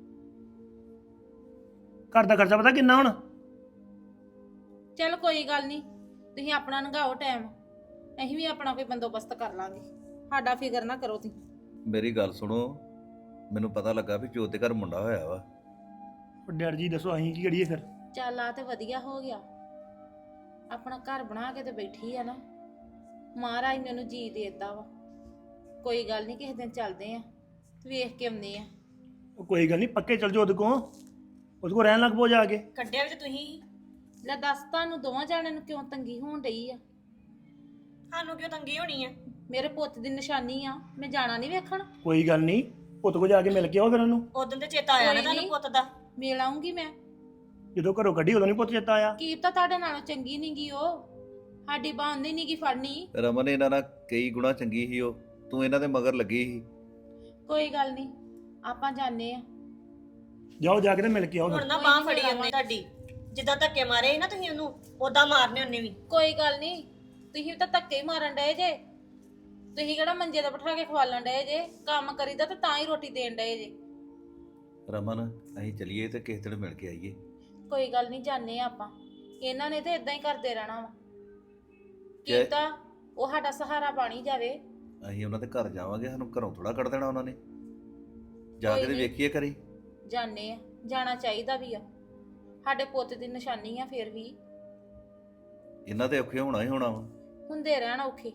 ਘਰ ਦਾ ਖਰਚਾ ਪਤਾ ਕਿੰਨਾ ਹੁਣ? ਚੱਲ ਕੋਈ ਗੱਲ ਨਹੀਂ, ਤੁਸੀਂ ਆਪਣਾ ਲੰਘਾਓ ਟਾਈਮ, ਅਸੀਂ ਵੀ ਆਪਣਾ ਕੋਈ ਬੰਦੋਬਸਤ ਕਰ ਲਾਂਗੇ, ਸਾਡਾ ਫਿਕਰ ਨਾ ਕਰੋ ਤੁਸੀਂ। ਮੇਰੀ ਗੱਲ ਸੁਣੋ, ਮੈਨੂੰ ਪਤਾ ਲੱਗਾ ਵੀ ਜੋਤ ਦੇ ਘਰ ਮੁੰਡਾ ਹੋਇਆ ਵਾ। ਉਹ ਡੈਡੀ ਜੀ ਦੱਸੋ ਅਸੀਂ ਕੀ ਕਰੀਏ ਫਿਰ? ਚੱਲ ਆ ਤੇ ਵਧੀਆ ਹੋ ਗਿਆ, ਆਪਣਾ ਘਰ ਬਣਾ ਕੇ ਤੇ ਬੈਠੀ ਆ ਨਾ, ਮਹਾਰਾਜ ਨੇ ਉਹਨੂੰ ਜੀ ਦੇ ਦਿੱਤਾ ਵਾ। ਕੋਈ ਗੱਲ ਨਹੀਂ, ਕਿਸੇ ਦਿਨ ਚੱਲਦੇ ਆ, ਵੇਖ ਕੇ ਆਉਂਦੇ ਆ। ਉਹ ਕੋਈ ਗੱਲ ਨਹੀਂ, ਪੱਕੇ ਚੱਲ ਜਾਓ ਉਹਦੇ ਕੋਲ, ਉਹਦੇ ਕੋਲ ਰਹਿਣ ਲੱਗ ਪੋ ਜਾ ਕੇ। ਕੱਢਿਆ ਵੀ ਤੇ ਤੁਸੀਂ ਲੈ ਦੱਸ, ਤੁਹਾਨੂੰ ਦੋਵਾਂ ਜਾਣਿਆਂ ਨੂੰ ਕਿਉਂ ਤੰਗੀ ਹੋਣ ਡਈ ਆ? ਸਾਨੂੰ ਕਿਉਂ ਤੰਗੀ ਹੋਣੀ ਆ? ਮੇਰੇ ਪੁੱਤ ਦੀ ਨਿਸ਼ਾਨੀ ਆ, ਮੈਂ ਜਾਣਾ ਨਹੀਂ ਵੇਖਣ। ਕੋਈ ਗੱਲ ਨਹੀਂ, ਪੁੱਤ ਕੋਲ ਜਾ ਕੇ ਮਿਲ ਕੇ ਆਓ ਫਿਰ ਉਹਨੂੰ। ਉਦੋਂ ਤੇ ਚੇਤਾ ਆਇਆ ਨਾ ਕੋਈ ਤੁਹਾਨੂੰ ਨੀ। ਪੁੱਤ ਦਾ। ਮਿਲ ਆਉਂਗੀ ਮੈਂ। ਜਦੋਂ ਘਰੋਂ ਕੱਢੀ ਉਦੋਂ ਨਹੀਂ ਪੁੱਤ ਚੇਤਾ ਆਇਆ। ਕੀ ਤਾਂ ਤੁਹਾਡੇ ਨਾਲੋਂ ਚੰਗੀ ਨੀ ਗੀ ਉਹ, ਸਾਡੀ ਬਾਂਦੀ ਨੀ ਗੀ ਫੜਨੀ। ਰਮਨ ਇਹਨਾਂ ਨਾਲ ਕਈ ਗੁਣਾ ਚੰਗੀ ਸੀ ਉਹ, ਤੂੰ ਇਹਨਾਂ ਦੇ ਮਗਰ ਲੱਗੀ ਸੀ। ਕੋਈ ਗੱਲ ਨਹੀਂ, ਆਪਾਂ ਜਾਣੇ ਆ। ਜਾਓ ਜਾ ਕੇ ਤੇ ਮਿਲ ਕੇ ਆਓ ਹੁਣ ਫਿਰ। ਨਾ ਬਾਹ ਫੜੀ ਉਹਨੇ ਤੁਹਾਡੀ, ਜਿੱਦਾਂ ਧੱਕੇ ਮਾਰੇ ਸੀ ਨਾ ਤੁਸੀਂ ਉਹਨੂੰ, ਉਦਾਂ ਮਾਰਨੇ ਉਹਨੇ ਵੀ। ਕੋਈ ਗੱਲ ਨਹੀਂ, ਤੁਸੀਂ ਵੀ ਤਾਂ ਧੱਕੇ ਹੀ ਮਾਰਨ ਡਏ ਜੇ, ਤੁਸੀਂ ਕਿਹੜਾ ਮੰਜੇ ਤੇ ਬਿਠਾ ਕੇ ਖਵਾਲਣ ਡਏ ਜੇ, ਕੰਮ ਕਰੀਦਾ ਤਾਂ ਤਾਂ ਹੀ ਰੋਟੀ ਦੇਣ ਡਏ ਜੇ। ਰਮਨ ਅਸੀਂ ਚਲੀਏ ਤੇ ਕਿਸੇ ਦਿਨ ਮਿਲ ਕੇ ਆਈਏ। ਕੋਈ ਗੱਲ ਨਹੀਂ, ਜਾਣੇ ਆ ਆਪਾਂ, ਇਹਨਾਂ ਨੇ ਤੇ ਇਦਾਂ ਹੀ ਕਰਦੇ ਰਹਿਣਾ ਵਾ। ਜੇ- ਕੀਤਾ ਉਹ ਸਾਡਾ ਸਹਾਰਾ ਬਣੀ ਜਾਵੇ। ਅਸੀਂ ਉਹਨਾਂ ਦੇ ਘਰ ਜਾਵਾਂਗੇ, ਸਾਨੂੰ ਘਰੋਂ ਥੋੜਾ ਕੱਢ ਦੇਣਾ ਉਹਨਾਂ ਨੇ। ਜਾ ਕੋਈ ਕੇ ਤੇ ਨੀ। ਵੇਖੀਏ ਕਰੀ। ਜਾਣੇ ਆ, ਜਾਣਾ ਚਾਹੀਦਾ ਵੀ ਆ, ਸਾਡੇ ਪੁੱਤ ਦੀ ਨਿਸ਼ਾਨੀ ਆ। ਫਿਰ ਵੀ ਇਹਨਾਂ ਦੇ ਔਖੇ ਹੋਣਾ ਹੀ ਹੋਣਾ ਵਾ। ਹੁੰਦੇ ਰਹਿਣ ਔਖੇ,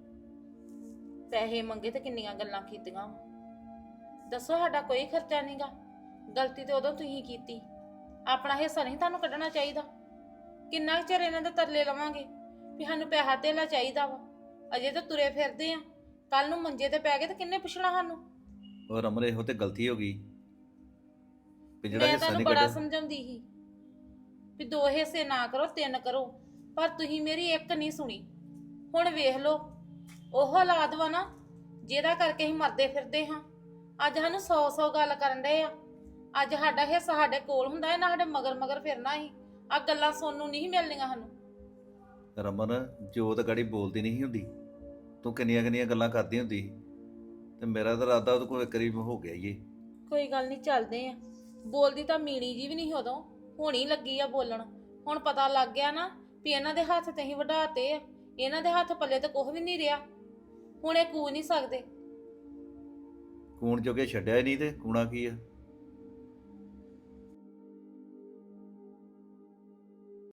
ਪੈਸੇ ਮੰਗੇ ਤੇ ਕਿੰਨੀਆਂ ਗੱਲਾਂ ਕੀਤੀਆਂ ਵਾ। ਦੱਸੋ, ਸਾਡਾ ਕੋਈ ਖਰਚਾ ਨਹੀਂਗਾ, ਗਲਤੀ ਤੇ ਉਦੋਂ ਤੁਸੀਂ ਕੀਤੀ, ਆਪਣਾ ਹਿੱਸਾ ਨਹੀਂ ਤੁਹਾਨੂੰ ਕੱਢਣਾ ਚਾਹੀਦਾ। ਕਿੰਨਾ ਕੁ ਚਿਰ ਇਹਨਾਂ ਦੇ ਤਰਲੇ ਲਵਾਂਗੇ ਵੀ ਸਾਨੂੰ ਪੈਸਾ ਧੇਲਾ ਚਾਹੀਦਾ ਵਾ? ਅਜੇ ਤਾਂ ਤੁਰੇ ਫਿਰਦੇ ਆ, ਕੱਲ ਨੂੰ ਮੰਜੇ ਤੇ ਪੈ ਗਏ ਤੇ ਕਿੰਨੇ ਪੁੱਛਣਾ ਸਾਨੂੰ? ਉਹ ਰਮਨ ਇਹੋ ਤੇ ਗਲਤੀ ਹੋ ਗਈ ਵੀ ਜਿਹੜਾ ਮੈਂ ਹਿੱਸਾ ਤੁਹਾਨੂੰ ਨਹੀਂ ਬੜਾ ਕੱਢਿਆ। ਸਮਝਾਉਂਦੀ ਸੀ ਵੀ ਦੋ ਹਿੱਸੇ ਨਾ ਕਰੋ, ਤਿੰਨ ਕਰੋ, ਪਰ ਤੁਸੀਂ ਮੇਰੀ ਇੱਕ ਨਹੀਂ ਸੁਣੀ। ਹੁਣ ਵੇਖ ਲਓ, ਉਹ ਔਲਾਦ ਵਾ ਨਾ ਜਿਹਦਾ ਕਰਕੇ ਅਸੀਂ ਮਰਦੇ ਫਿਰਦੇ ਹਾਂ। ਅੱਜ ਸਾਨੂੰ ਸੌ ਸੌ ਗੱਲ ਕਰਨ ਡਏ ਆ। ਅੱਜ ਸਾਡਾ ਹਿੱਸਾ ਸਾਡੇ ਕੋਲ ਹੁੰਦਾ, ਇਹਨਾਂ ਸਾਡੇ ਮਗਰ ਮਗਰ ਫਿਰਨਾ ਸੀ। ਆ ਗੱਲਾਂ ਸੁਣਨ ਨੂੰ ਨਹੀਂ ਮਿਲਣੀਆਂ ਸਾਨੂੰ। ਰਮਨ ਜੋਤ ਗਾੜੀ ਬੋਲਦੀ ਨਹੀਂ ਸੀ ਹੁੰਦੀ, ਤੂੰ ਕਿੰਨੀਆਂ ਕਿੰਨੀਆਂ ਗੱਲਾਂ ਕਰਦੀ ਹੁੰਦੀ ਸੀ, ਤੇ ਮੇਰਾ ਤਾਂ ਇਰਾਦਾ ਉਹਦੇ ਕੋਲ ਕਰੀਬ ਹੋ ਗਿਆ ਈ ਏ। ਕੋਈ ਗੱਲ ਨਹੀਂ, ਚੱਲਦੇ ਆ। ਬੋਲਦੀ ਤਾਂ ਮੀਣੀ ਜੀ ਵੀ ਨਹੀਂ ਉਦੋਂ, ਹੁਣੀ ਲੱਗੀ ਆ ਬੋਲਣ। ਹੁਣ ਪਤਾ ਲੱਗ ਗਿਆ ਨਾ ਵੀ ਇਹਨਾਂ ਦੇ ਹੱਥ ਤੇ ਹੀ ਵਢਾਤੇ ਆ, ਇਹਨਾਂ ਦੇ ਹੱਥ ਪੱਲੇ ਤੇ ਕੁਝ ਵੀ ਨਹੀਂ ਰਿਹਾ। ਹੁਣ ਇਹ ਕੂ ਨਹੀਂ ਸਕਦੇ। ਕੂਣ ਜੋਗੇ ਛੱਡਿਆ ਹੀ ਨਹੀਂ ਤੇ ਕੂਣਾ ਕੀ ਆ।